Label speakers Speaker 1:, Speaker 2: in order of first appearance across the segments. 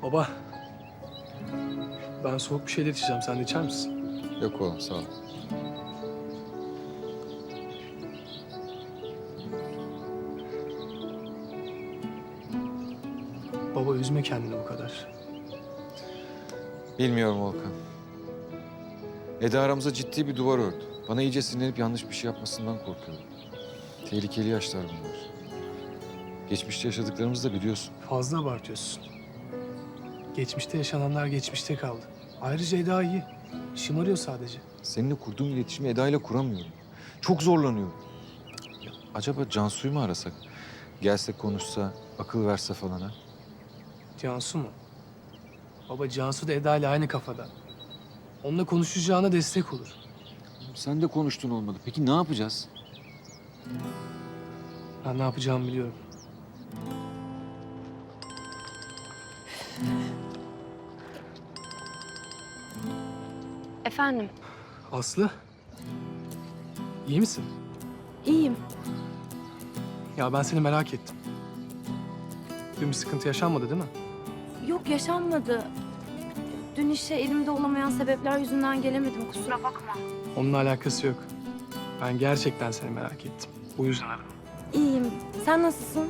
Speaker 1: Baba, ben soğuk bir şeyler içeceğim. Sen de içer misin?
Speaker 2: Yok oğlum, sağ ol.
Speaker 1: Baba üzme kendini bu kadar.
Speaker 2: Bilmiyorum Volkan. Eda aramıza ciddi bir duvar ördü. Bana iyice sinirlenip yanlış bir şey yapmasından korkuyorum. Tehlikeli yaşlar bunlar. Geçmişte yaşadıklarımızı da biliyorsun.
Speaker 1: Fazla abartıyorsun. Geçmişte yaşananlar geçmişte kaldı. Ayrıca Eda iyi. Şımarıyor sadece.
Speaker 2: Seninle kurduğum iletişimi Eda ile kuramıyorum. Çok zorlanıyorum. Ya, acaba Cansu'yu mu arasak? Gelse konuşsa, akıl verse falan ha?
Speaker 1: Cansu mu? Baba Cansu da Eda ile aynı kafada. Onunla konuşacağına destek olur.
Speaker 2: Sen de konuştun olmadı. Peki ne yapacağız?
Speaker 1: Ben ne yapacağımı biliyorum.
Speaker 3: Efendim,
Speaker 1: Aslı, iyi misin?
Speaker 3: iyiyim.
Speaker 1: Ya ben seni merak ettim. Dün bir sıkıntı yaşanmadı değil mi?
Speaker 3: Yok, yaşanmadı. Dün işe elimde olamayan sebepler yüzünden gelemedim, kusura bakma.
Speaker 1: Onunla alakası yok. Ben gerçekten seni merak ettim. Bu yüzden aradım.
Speaker 3: İyiyim. Sen nasılsın?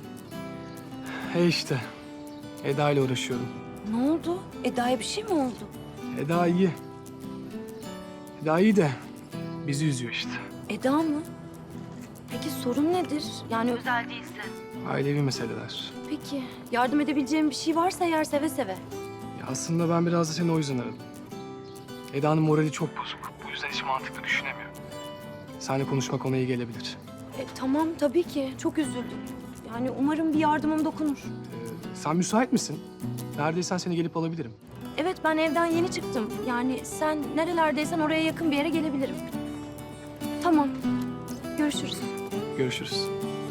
Speaker 1: İşte. Eda ile uğraşıyorum.
Speaker 3: Ne oldu? Eda'ya bir şey mi oldu?
Speaker 1: Eda iyi. Eda iyi de bizi üzüyor işte.
Speaker 3: Eda mı? Peki sorun nedir? Yani özel değilse.
Speaker 1: Ailevi meseleler.
Speaker 3: Peki, yardım edebileceğim bir şey varsa eğer seve seve.
Speaker 1: Ya aslında ben biraz da seni o yüzden aradım. Eda'nın morali çok bozuk. Bu yüzden hiç mantıklı düşünemiyor. Seninle konuşmak ona iyi gelebilir.
Speaker 3: Tamam, tabii ki. Çok üzüldüm. Yani umarım bir yardımım dokunur.
Speaker 1: Sen müsait misin? Neredeysen seni gelip alabilirim.
Speaker 3: Evet, ben evden yeni çıktım. Yani sen nerelerdeysen oraya yakın bir yere gelebilirim. Tamam. Görüşürüz.
Speaker 1: Görüşürüz.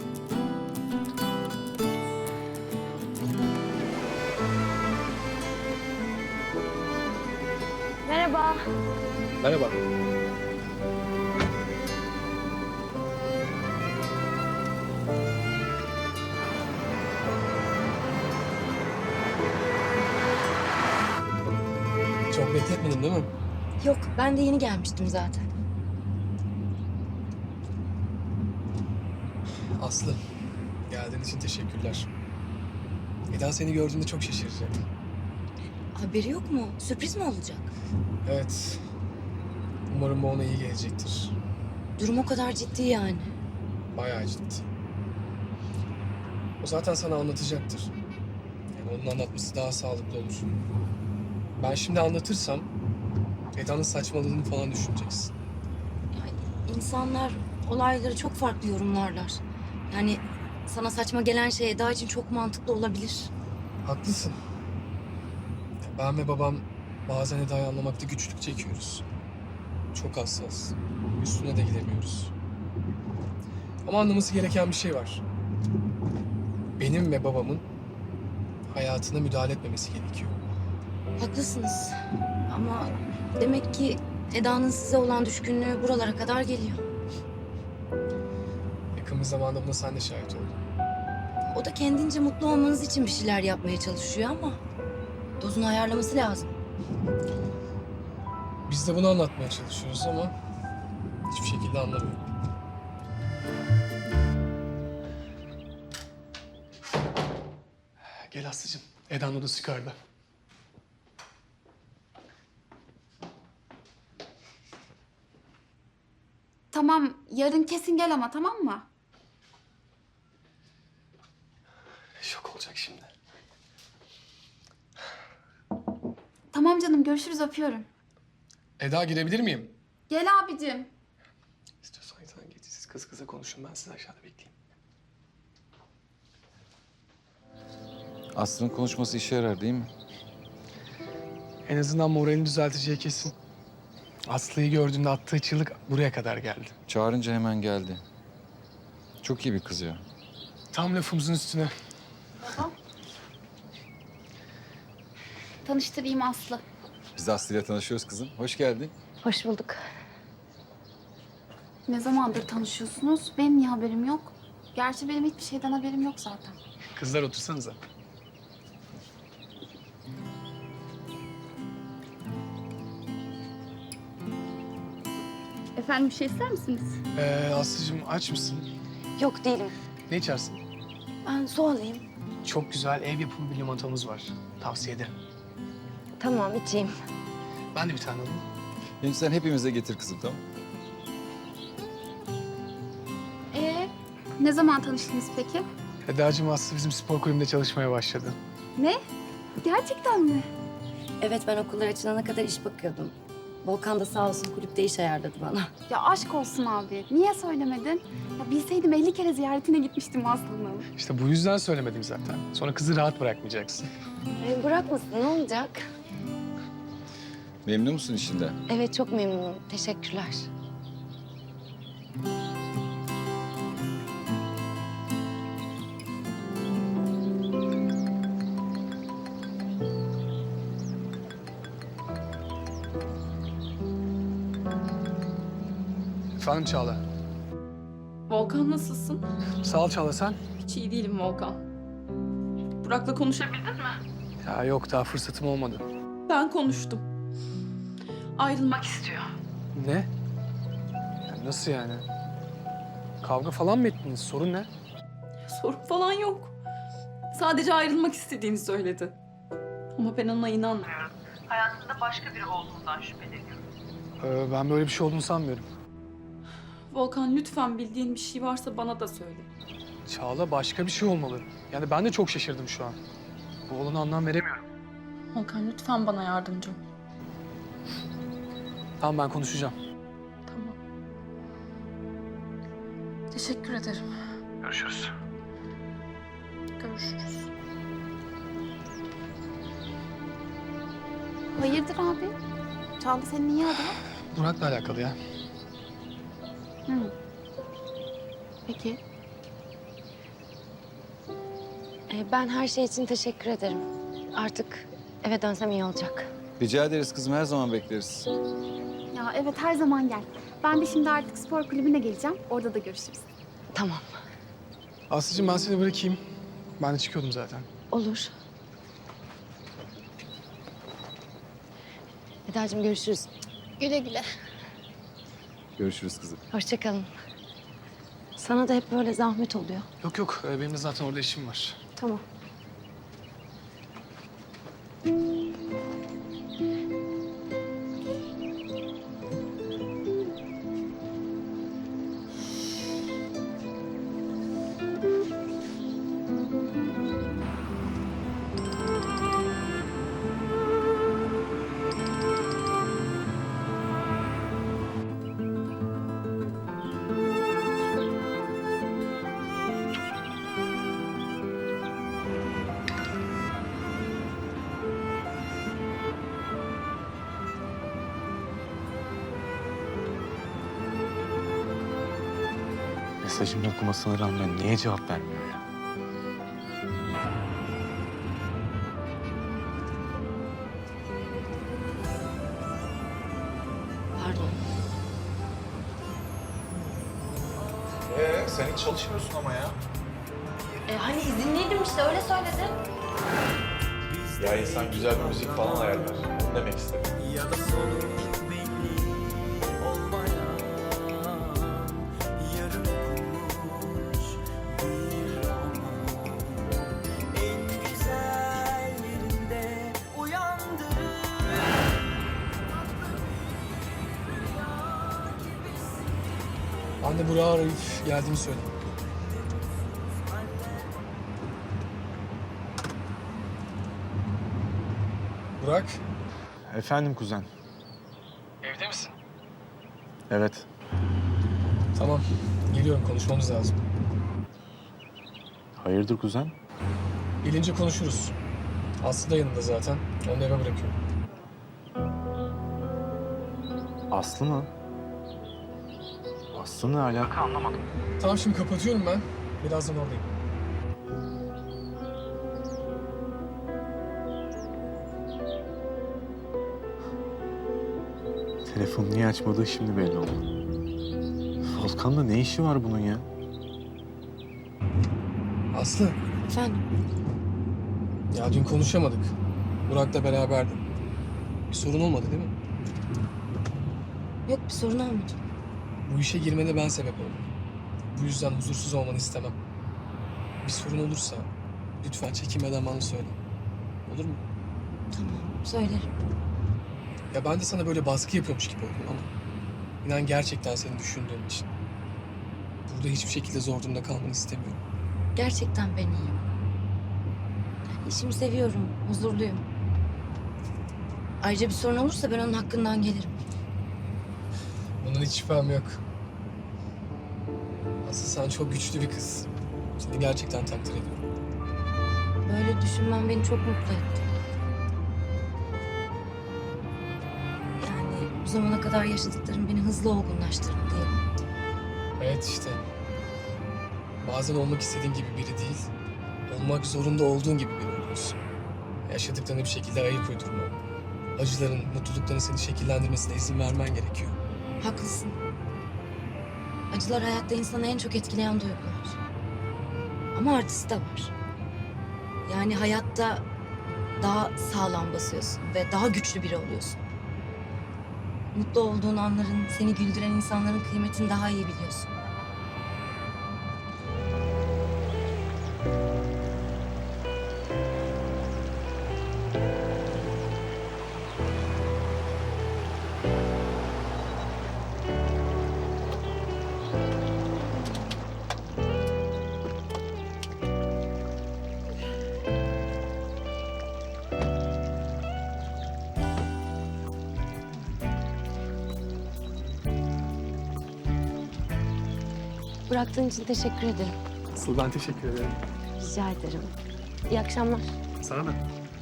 Speaker 3: Merhaba.
Speaker 1: Merhaba. Çok bekletmedin değil mi?
Speaker 3: Yok, ben de yeni gelmiştim zaten.
Speaker 1: Aslı, geldiğin için teşekkürler. Eda seni gördüğünde çok şaşıracak.
Speaker 3: Haberi yok mu? Sürpriz mi olacak?
Speaker 1: Evet. Umarım bu ona iyi gelecektir.
Speaker 3: Durum o kadar ciddi yani.
Speaker 1: Bayağı ciddi. O zaten sana anlatacaktır. Yani onun anlatması daha sağlıklı olur. Ben şimdi anlatırsam Eda'nın saçmaladığını falan düşüneceksin.
Speaker 3: Yani insanlar olayları çok farklı yorumlarlar. Yani sana saçma gelen şey Eda için çok mantıklı olabilir.
Speaker 1: Haklısın. Ben ve babam bazen Eda'yı anlamakta güçlük çekiyoruz. Çok hassas. Üstüne de gidemiyoruz. Ama anlaması gereken bir şey var. Benim ve babamın hayatına müdahale etmemesi gerekiyor.
Speaker 3: Haklısınız. Ama demek ki Eda'nın size olan düşkünlüğü buralara kadar geliyor.
Speaker 1: Yakın bir zamanda buna sen de şahit oldun.
Speaker 3: O da kendince mutlu olmanız için bir şeyler yapmaya çalışıyor ama dozunu ayarlaması lazım.
Speaker 1: Biz de bunu anlatmaya çalışıyoruz ama hiçbir şekilde anlamıyor. Gel Aslı'cığım. Eda'nın odası yukarıda.
Speaker 4: Tamam, yarın kesin gel ama tamam mı?
Speaker 1: Şok olacak şimdi.
Speaker 4: Tamam canım, görüşürüz, öpüyorum.
Speaker 1: Eda girebilir miyim?
Speaker 4: Gel abicim.
Speaker 1: İstiyorsan sen geç. Siz kız kıza konuşun. Ben sizi aşağıda bekleyeyim.
Speaker 2: Aslı'nın konuşması işe yarar değil mi?
Speaker 1: En azından moralini düzelteceği kesin. Aslı'yı gördüğünde attığı çığlık buraya kadar geldi.
Speaker 2: Çağırınca hemen geldi. Çok iyi bir kız ya.
Speaker 1: Tam lafımızın üstüne.
Speaker 4: Baba. Tanıştırayım Aslı.
Speaker 2: Biz de Aslı'yla tanışıyoruz kızım. Hoş geldin.
Speaker 3: Hoş bulduk.
Speaker 4: Ne zamandır tanışıyorsunuz? Benim niye haberim yok? Gerçi benim hiçbir şeyden haberim yok zaten.
Speaker 1: Kızlar otursanıza.
Speaker 4: Efendim bir şey ister misiniz?
Speaker 1: Aslı'cığım aç mısın?
Speaker 3: Yok değilim.
Speaker 1: Ne içersin?
Speaker 3: Ben su alayım.
Speaker 1: Çok güzel ev yapımı bir limonatamız var. Tavsiye ederim.
Speaker 3: Tamam içeyim.
Speaker 1: Ben de bir tane alayım.
Speaker 2: Hem sen hepimize getir kızım, tamam?
Speaker 4: Ne zaman tanıştınız peki?
Speaker 1: Eda'cığım Aslı bizim spor kulübünde çalışmaya başladı.
Speaker 4: Ne? Gerçekten mi?
Speaker 3: Evet ben okullar açılana kadar iş bakıyordum. Volkan da sağ olsun kulüpte iş ayarladı bana.
Speaker 4: Ya aşk olsun abi. Niye söylemedin? Ya bilseydim 50 kere ziyaretine gitmiştim Aslı'nın.
Speaker 1: İşte bu yüzden söylemedim zaten. Sonra kızı rahat bırakmayacaksın.
Speaker 3: Bırakmasın ne olacak?
Speaker 2: Memnun musun işinden?
Speaker 3: Evet çok memnunum. Teşekkürler.
Speaker 1: Efendim Çağla.
Speaker 5: Volkan nasılsın?
Speaker 1: Sağ ol Çağla sen.
Speaker 5: Hiç iyi değilim Volkan. Burak'la konuşabildin mi?
Speaker 1: Ya yok daha fırsatım olmadı.
Speaker 5: Ben konuştum. Ayrılmak istiyor.
Speaker 1: Ne? Ya nasıl yani? Kavga falan mı ettiniz? Sorun ne?
Speaker 5: Sorun falan yok. Sadece ayrılmak istediğini söyledi. Ama ben ona inanmıyorum.
Speaker 6: Hayatında başka biri olduğundan şüpheleniyorum.
Speaker 1: Ben böyle bir şey olduğunu sanmıyorum.
Speaker 5: Volkan lütfen bildiğin bir şey varsa bana da söyle.
Speaker 1: Çağla başka bir şey olmalı. Yani ben de çok şaşırdım şu an. Bu olana anlam veremiyorum.
Speaker 5: Volkan lütfen bana yardımcı ol.
Speaker 1: Tamam ben konuşacağım.
Speaker 5: Tamam. Teşekkür ederim.
Speaker 1: Görüşürüz.
Speaker 5: Görüşürüz.
Speaker 4: Hayırdır abi? Çağla seni niye aradı?
Speaker 1: Burak'la alakalı ya.
Speaker 4: Hı. Peki.
Speaker 3: Ben her şey için teşekkür ederim. Artık eve dönsem iyi olacak.
Speaker 2: Rica ederiz kızım, her zaman bekleriz.
Speaker 4: Ya evet her zaman gel. Ben de şimdi artık spor kulübüne geleceğim. Orada da görüşürüz.
Speaker 3: Tamam.
Speaker 1: Aslı'cığım ben seni bırakayım. Ben de çıkıyordum zaten.
Speaker 3: Olur. Eda'cığım görüşürüz.
Speaker 4: Güle güle.
Speaker 2: Görüşürüz kızım.
Speaker 3: Hoşça kalın. Sana da hep böyle zahmet oluyor.
Speaker 1: Yok yok benim de zaten orada işim var.
Speaker 3: Tamam.
Speaker 7: Mesajımı okumasına rağmen niye cevap vermiyor ya?
Speaker 3: Pardon.
Speaker 7: Sen hiç çalışmıyorsun ama ya.
Speaker 3: Hani izinliydim işte öyle söyledi.
Speaker 7: Ya insan güzel bir müzik falan ayarlar. Onu demek istedim.
Speaker 1: Ben de Burak'ı arayıp geldiğimi söyleyeyim. Burak,
Speaker 7: Efendim kuzen.
Speaker 1: evde misin?
Speaker 7: Evet.
Speaker 1: Tamam, geliyorum. Konuşmamız lazım.
Speaker 7: Hayırdır kuzen?
Speaker 1: Gelince konuşuruz. Aslı da yanında zaten. Onu da eve bırakıyorum.
Speaker 7: Aslı mı? Aslı ne alaka anlamadım.
Speaker 1: Tamam şimdi kapatıyorum ben. Birazdan oradayım.
Speaker 7: Telefonu niye açmadığı şimdi belli oldu. Volkan'la ne işi var bunun ya?
Speaker 1: Aslı,
Speaker 3: Efendim?
Speaker 1: ya dün konuşamadık. Burak'la beraberdim. Bir sorun olmadı değil mi?
Speaker 3: Yok bir sorun olmadı.
Speaker 1: Bu işe girmene ben sebep oldum. Bu yüzden huzursuz olmanı istemem. Bir sorun olursa lütfen çekinmeden bana söyle. Olur mu?
Speaker 3: Tamam, söylerim.
Speaker 1: Ya ben de sana böyle baskı yapıyormuş gibi oldum ama inan gerçekten seni düşündüğüm için. Burada hiçbir şekilde zor durumda kalmanı istemiyorum.
Speaker 3: Gerçekten ben iyiyim. Yani işimi seviyorum, huzurluyum. Ayrıca bir sorun olursa ben onun hakkından gelirim.
Speaker 1: Bundan hiç şüphem yok. Aslı sen çok güçlü bir kız. Seni gerçekten takdir ediyorum.
Speaker 3: Böyle düşünmen beni çok mutlu etti. Yani bu zamana kadar yaşadıklarım beni hızlı olgunlaştırdı diyelim.
Speaker 1: Evet işte. Bazen olmak istediğin gibi biri değil, olmak zorunda olduğun gibi biri oluyorsun. Yaşadıklarına bir şekilde ayıp uydurma. Acıların, mutlulukların seni şekillendirmesine izin vermen gerekiyor.
Speaker 3: Haklısın. Acılar hayatta insanı en çok etkileyen duygular. Ama artısı da var. Yani hayatta daha sağlam basıyorsun ve daha güçlü biri oluyorsun. Mutlu olduğun anların, seni güldüren insanların kıymetini daha iyi biliyorsun. Bıraktığın için teşekkür ederim.
Speaker 1: Asıl ben teşekkür ederim.
Speaker 3: Rica ederim. İyi akşamlar.
Speaker 1: Sana da.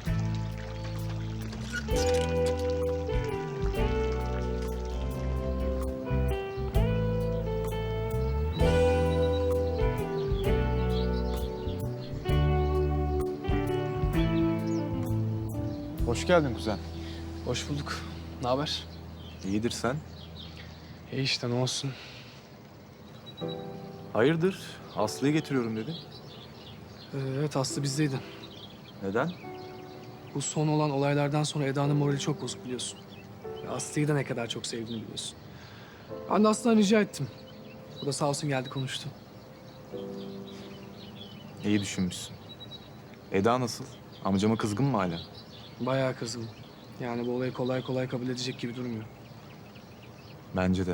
Speaker 7: Hoş geldin kuzen.
Speaker 1: Hoş bulduk. Ne haber?
Speaker 7: İyidir sen.
Speaker 1: İyi işte ne olsun.
Speaker 7: Hayırdır? Aslı'yı getiriyorum dedin.
Speaker 1: Evet Aslı bizdeydi.
Speaker 7: Neden?
Speaker 1: Bu son olan olaylardan sonra Eda'nın morali çok bozuk biliyorsun. Ve Aslı'yı da ne kadar çok sevdiğini biliyorsun. Ben de Aslı'dan rica ettim. O da sağ olsun geldi konuştu.
Speaker 7: İyi düşünmüşsün. Eda nasıl? Amcama kızgın mı hala?
Speaker 1: Bayağı kızgın. Yani bu olayı kolay kolay kabul edecek gibi durmuyor.
Speaker 7: Bence de.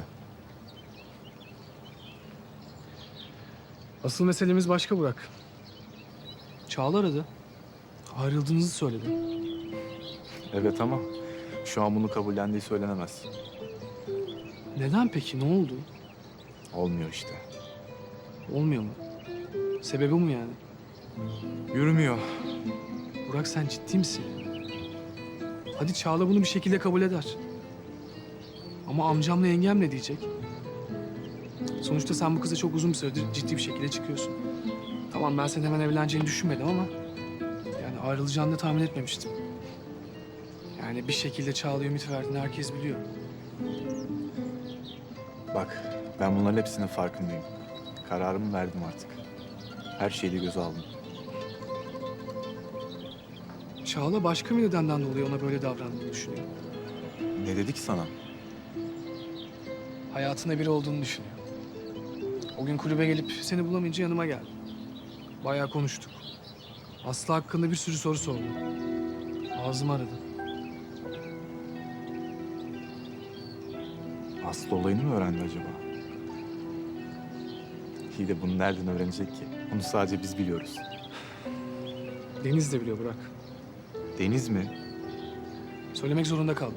Speaker 1: Asıl meselemiz başka Burak. Çağla aradı. Ayrıldığınızı söyledi.
Speaker 7: Evet ama şu an bunu kabullendiği söylenemez.
Speaker 1: Neden peki? Ne oldu?
Speaker 7: Olmuyor işte.
Speaker 1: Olmuyor mu? Sebebi bu mu yani?
Speaker 7: Yürümüyor.
Speaker 1: Burak sen ciddi misin? Hadi Çağla bunu bir şekilde kabul eder. Ama amcamla yengem ne diyecek? Sonuçta sen bu kıza çok uzun bir süredir ciddi bir şekilde çıkıyorsun. Tamam ben senin hemen evleneceğini düşünmedim ama... yani ayrılacağını da tahmin etmemiştim. Yani bir şekilde Çağla'ya ümit verdiğini herkes biliyor.
Speaker 7: Bak ben bunların hepsinin farkındayım. Kararımı verdim artık. Her şeyi de göze aldım.
Speaker 1: Çağla başka bir nedenden dolayı ona böyle davrandığını düşünüyor.
Speaker 7: Ne dedi ki sana?
Speaker 1: Hayatında biri olduğunu düşünüyor. O gün kulübe gelip seni bulamayınca yanıma geldi. Bayağı konuştuk. Aslı hakkında bir sürü soru sordu. Ağzımı aradı.
Speaker 7: Aslı olayını mı öğrendi acaba? İyi de bunu nereden öğrenecek ki? Bunu sadece biz biliyoruz.
Speaker 1: Deniz de biliyor Burak.
Speaker 7: Deniz mi?
Speaker 1: Söylemek zorunda kaldım.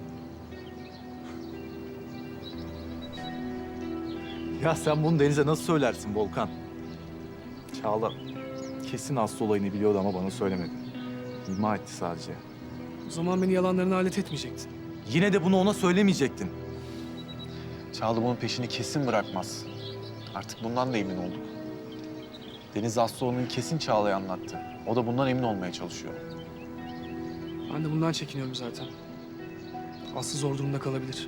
Speaker 7: Ya sen bunu Deniz'e nasıl söylersin Volkan? Çağla kesin Aslı olayını biliyordu ama bana söylemedi. İma etti sadece.
Speaker 1: O zaman beni yalanlarına alet etmeyecektin.
Speaker 7: Yine de bunu ona söylemeyecektin.
Speaker 8: Çağla bunun peşini kesin bırakmaz. Artık bundan da emin olduk. Deniz Aslıoğlu'nu kesin Çağla'ya anlattı. O da bundan emin olmaya çalışıyor.
Speaker 1: Ben de bundan çekiniyorum zaten. Aslı zor durumda kalabilir.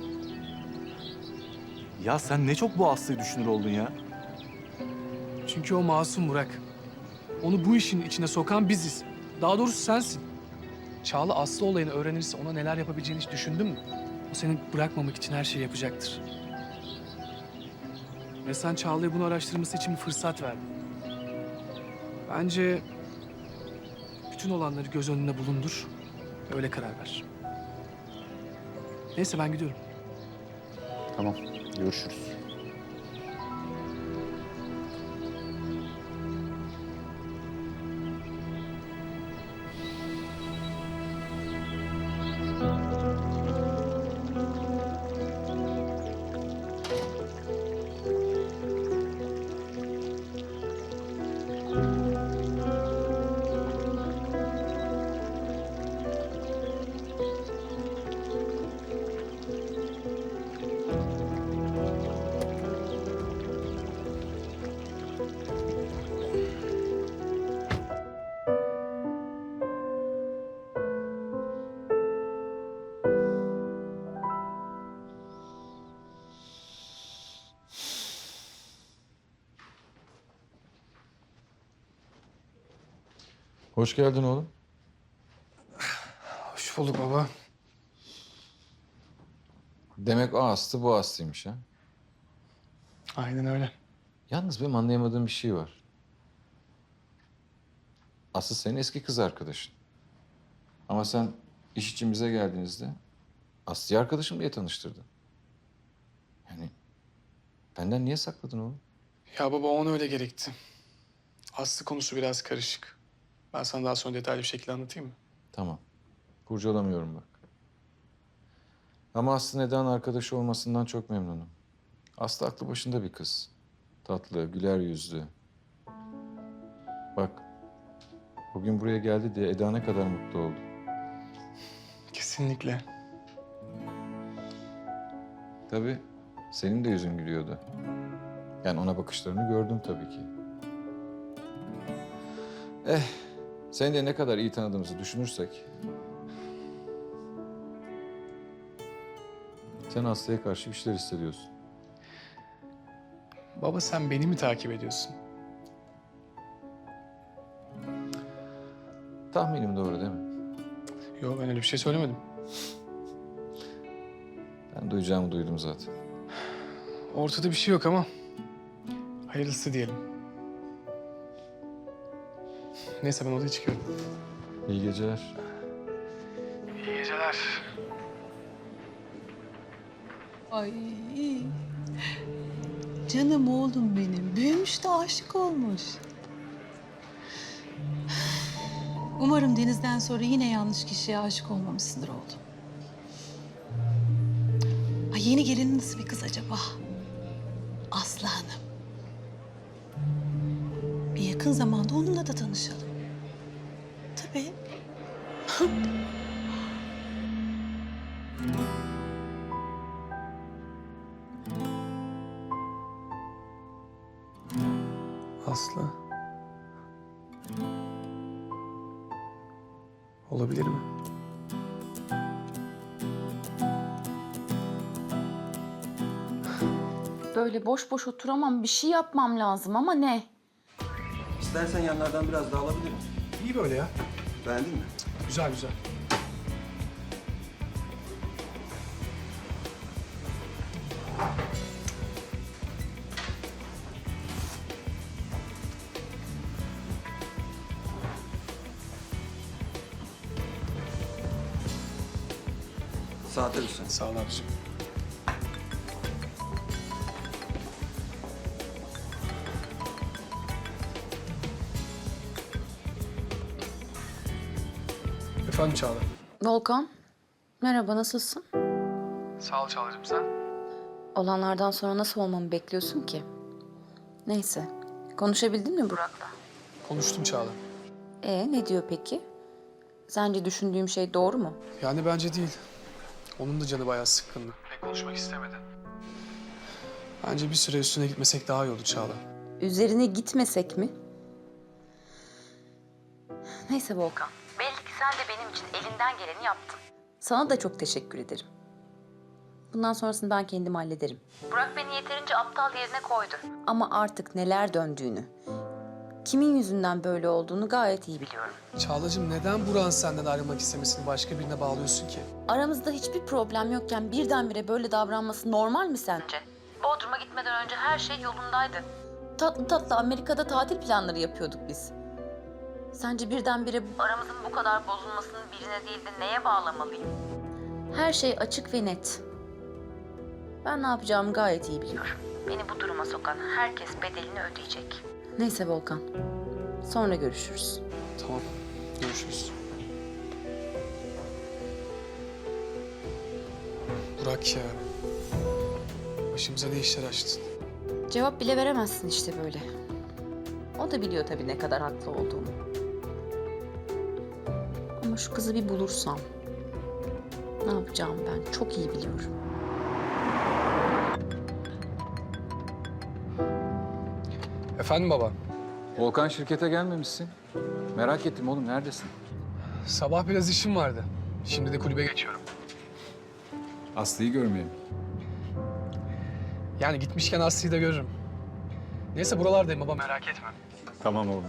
Speaker 7: Ya sen ne çok bu Aslı'yı düşünür oldun ya.
Speaker 1: Çünkü o masum Burak. Onu bu işin içine sokan biziz. Daha doğrusu sensin. Çağla Aslı olayını öğrenirse ona neler yapabileceğini hiç düşündün mü? O seni bırakmamak için her şeyi yapacaktır. Ve sen Çağla'ya bunu araştırması için bir fırsat verdin. Bence bütün olanları göz önünde bulundur. Öyle karar ver. Neyse ben gidiyorum.
Speaker 8: Tamam, görüşürüz.
Speaker 2: Hoş geldin oğlum.
Speaker 1: Hoş bulduk baba.
Speaker 2: Demek o Aslı bu Aslı'ymış ha.
Speaker 1: Aynen öyle.
Speaker 2: Yalnız benim anlayamadığım bir şey var. Aslı senin eski kız arkadaşın. Ama sen iş için bize geldiğinizde Aslı'yı arkadaşım diye tanıştırdın. Yani benden niye sakladın oğlum?
Speaker 1: Ya baba ona öyle gerekti. Aslı konusu biraz karışık. Ben sana daha sonra detaylı bir şekilde anlatayım mı?
Speaker 2: Tamam. Kurcalamıyorum bak. Ama Aslı Eda'nın arkadaşı olmasından çok memnunum. Aslı aklı başında bir kız. Tatlı, güler yüzlü. Bak, bugün buraya geldi diye Eda ne kadar mutlu oldu.
Speaker 1: Kesinlikle.
Speaker 2: Tabii senin de yüzün gülüyordu. Yani ona bakışlarını gördüm tabii ki. Seni de ne kadar iyi tanıdığımızı düşünürsek... Sen Aslı'ya karşı bir şeyler hissediyorsun.
Speaker 1: Baba sen beni mi takip ediyorsun?
Speaker 2: Tahminim doğru değil mi?
Speaker 1: Yok ben öyle bir şey söylemedim.
Speaker 2: Ben duyacağımı duydum zaten.
Speaker 1: Ortada bir şey yok ama hayırlısı diyelim. Neyse ben odaya çıkıyorum.
Speaker 2: İyi geceler.
Speaker 1: İyi geceler.
Speaker 9: Ay canım oğlum benim. Büyümüş de aşık olmuş. Umarım Deniz'den sonra yine yanlış kişiye aşık olmamışsındır oğlum. Ay yeni gelin nasıl bir kız acaba? Aslı Hanım. Bir yakın zamanda onunla da tanışalım. Tabii.
Speaker 1: Aslı. Olabilir mi?
Speaker 5: Böyle boş boş oturamam. Bir şey yapmam lazım ama ne?
Speaker 10: İstersen yanlardan biraz daha alabilirim.
Speaker 1: İyi böyle ya.
Speaker 10: Beğendin mi?
Speaker 1: Güzel güzel.
Speaker 10: Saate lütfen.
Speaker 1: Sağ ol abiciğim. Efendim Çağla.
Speaker 3: Volkan, merhaba, nasılsın?
Speaker 1: Sağ ol Çağla'cığım sen.
Speaker 3: Olanlardan sonra nasıl olmamı bekliyorsun ki? Neyse, konuşabildin mi Burak'la?
Speaker 1: Konuştum Çağla.
Speaker 3: Ne diyor peki? Sence düşündüğüm şey doğru mu?
Speaker 1: Yani bence değil. Onun da canı bayağı sıkkındı. Pek konuşmak istemedi. Bence bir süre üstüne gitmesek daha iyi olur Çağla.
Speaker 3: Üzerine gitmesek mi? Neyse Volkan. Belli ki sen de benim için elinden geleni yaptın. Sana da çok teşekkür ederim. Bundan sonrasını ben kendim hallederim. Burak beni yeterince aptal yerine koydu. Ama artık neler döndüğünü, kimin yüzünden böyle olduğunu gayet iyi biliyorum.
Speaker 1: Çağla'cığım neden Burak'ın senden ayrılmak istemesini başka birine bağlıyorsun ki?
Speaker 3: Aramızda hiçbir problem yokken birdenbire böyle davranması normal mi sence?
Speaker 6: Bodrum'a gitmeden önce her şey yolundaydı.
Speaker 5: Tatlı tatlı Amerika'da tatil planları yapıyorduk biz. Sence birdenbire
Speaker 6: Aramızın bu kadar bozulmasını birine değil de neye bağlamalıyım?
Speaker 5: her şey açık ve net. Ben ne yapacağımı gayet iyi biliyorum.
Speaker 6: Beni bu duruma sokan herkes bedelini ödeyecek.
Speaker 5: Neyse Volkan. Sonra görüşürüz.
Speaker 1: Tamam. Görüşürüz. Burak ya. Başımıza ne işler açtın?
Speaker 5: Cevap bile veremezsin işte böyle. O da biliyor tabii ne kadar haklı olduğumu. Ama şu kızı bir bulursam ne yapacağımı ben çok iyi biliyorum.
Speaker 1: Efendim baba.
Speaker 2: Volkan şirkete gelmemişsin. Merak ettim oğlum, neredesin?
Speaker 1: Sabah biraz işim vardı. Şimdi de kulübe geçiyorum.
Speaker 2: Aslı'yı görmeyeyim.
Speaker 1: Yani gitmişken Aslı'yı da görürüm. Neyse buralardayım baba, merak etme.
Speaker 2: Tamam oğlum.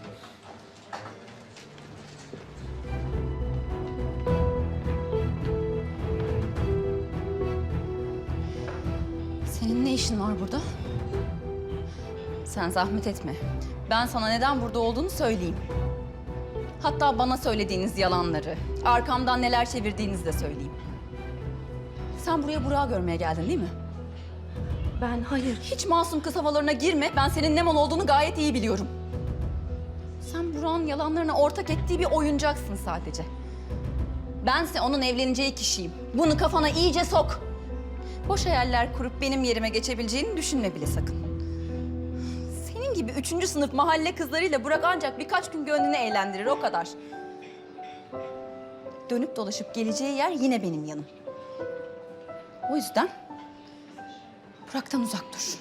Speaker 5: Senin ne işin var burada? Sen zahmet etme. Ben sana neden burada olduğunu söyleyeyim. Hatta bana söylediğiniz yalanları, arkamdan neler çevirdiğinizi de söyleyeyim. Sen buraya Burak'ı görmeye geldin değil mi?
Speaker 3: Hayır.
Speaker 5: Hiç masum kız havalarına girme. Ben senin ne mal olduğunu gayet iyi biliyorum. Sen Burak'ın yalanlarına ortak ettiği bir oyuncaksın sadece. Bense onun evleneceği kişiyim. Bunu kafana iyice sok. Boş hayaller kurup benim yerime geçebileceğini düşünme bile sakın. Senin gibi 3. sınıf mahalle kızlarıyla Burak ancak birkaç gün gönlünü eğlendirir, o kadar. Dönüp dolaşıp geleceği yer yine benim yanım. O yüzden Burak'tan uzak dur.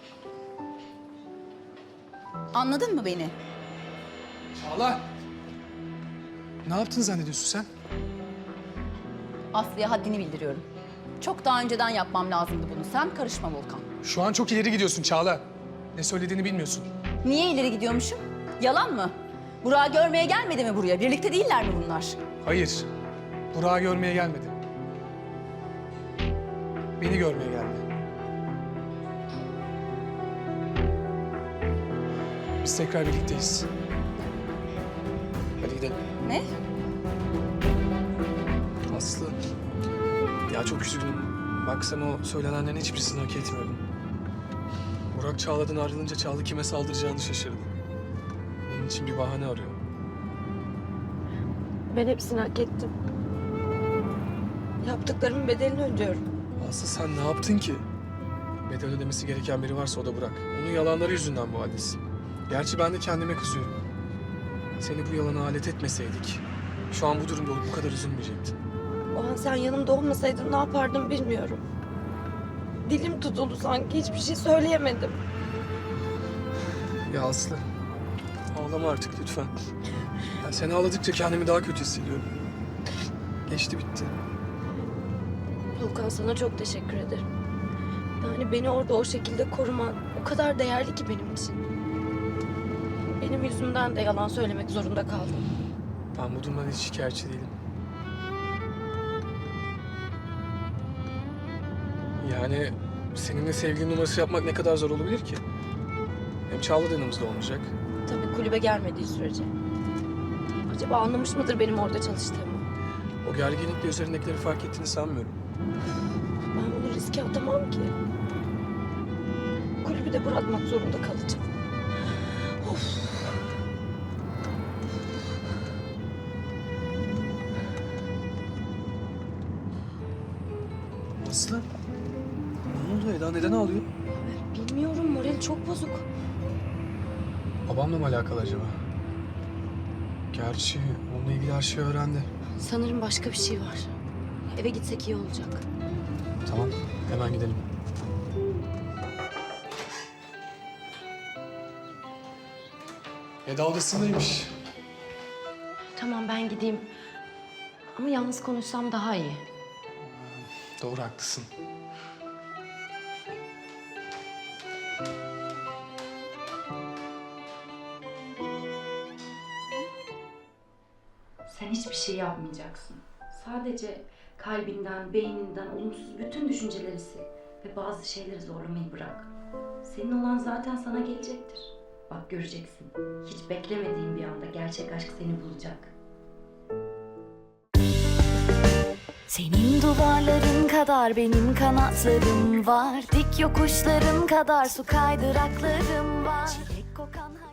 Speaker 5: Anladın mı beni?
Speaker 1: Çağla! Ne yaptın zannediyorsun sen?
Speaker 5: Aslı'ya haddini bildiriyorum. Çok daha önceden yapmam lazımdı bunu. Sen karışma Volkan.
Speaker 1: Şu an çok ileri gidiyorsun Çağla. Ne söylediğini bilmiyorsun.
Speaker 5: Niye ileri gidiyormuşum? Yalan mı? Burak'ı görmeye gelmedi mi buraya? Birlikte değiller mi bunlar?
Speaker 1: Hayır. Burak'ı görmeye gelmedi. Beni görmeye geldi. Biz tekrar birlikteyiz. Hadi gidelim.
Speaker 5: Ne?
Speaker 1: Aslı. Ya çok üzgünüm. Bak sen o söylenenlerin hiçbirisini hak etmiyordun. Burak Çağla'dan ayrılınca Çağla kime saldıracağını şaşırdı. Bunun için bir bahane arıyor.
Speaker 3: Ben hepsini hak ettim. Yaptıklarımın bedelini ödüyorum.
Speaker 1: Aslı sen ne yaptın ki? Bedel ödemesi gereken biri varsa o da Burak. Onun yalanları yüzünden bu haldesin. Gerçi ben de kendime kızıyorum. Seni bu yalana alet etmeseydik, şu an bu durumda olup bu kadar üzülmeyecektin.
Speaker 3: O an sen yanımda olmasaydın ne yapardım bilmiyorum. Dilim tutuldu sanki, hiçbir şey söyleyemedim.
Speaker 1: Ya Aslı, ağlama artık lütfen. Ya seni ağladıkça kendimi daha kötü hissediyorum. Geçti bitti.
Speaker 3: Volkan, sana çok teşekkür ederim. Yani beni orada o şekilde koruman o kadar değerli ki benim için. Benim yüzümden de yalan söylemek zorunda kaldım.
Speaker 1: Ben bu durumdan hiç şikayetçi değilim. Yani seninle sevgili numarası yapmak ne kadar zor olabilir ki? Hem Çağla da yanımızda olmayacak.
Speaker 3: Tabii kulübe gelmediği sürece. Acaba anlamış mıdır benim orada çalıştığımı?
Speaker 1: O gerginlikle üzerindekileri fark ettiğini sanmıyorum.
Speaker 3: Ben bunu riske atamam ki. Kulübü de bırakmak zorunda kalacağım. Of.
Speaker 1: Aslı, ne oldu Eda? Neden ağlıyor?
Speaker 3: Bilmiyorum, morali çok bozuk.
Speaker 1: Babamla mı alakalı acaba? Gerçi onunla ilgili her şeyi öğrendi.
Speaker 3: Sanırım başka bir şey var. Eve gitsek iyi olacak.
Speaker 1: Tamam, hemen gidelim. Eda odasındaymış.
Speaker 3: Tamam, ben gideyim. Ama yalnız konuşsam daha iyi.
Speaker 1: Doğru, haklısın.
Speaker 11: Sen hiçbir şey yapmayacaksın. Sadece kalbinden, beyninden olumsuz bütün düşünceleri sil.
Speaker 6: Ve bazı şeyleri zorlamayı bırak. Senin olan zaten sana gelecektir. Bak göreceksin. Hiç beklemediğin bir anda gerçek aşk seni bulacak.
Speaker 11: Senin duvarların kadar benim kanatlarım var. Dik yokuşların kadar su kaydıraklarım var. Çilek kokan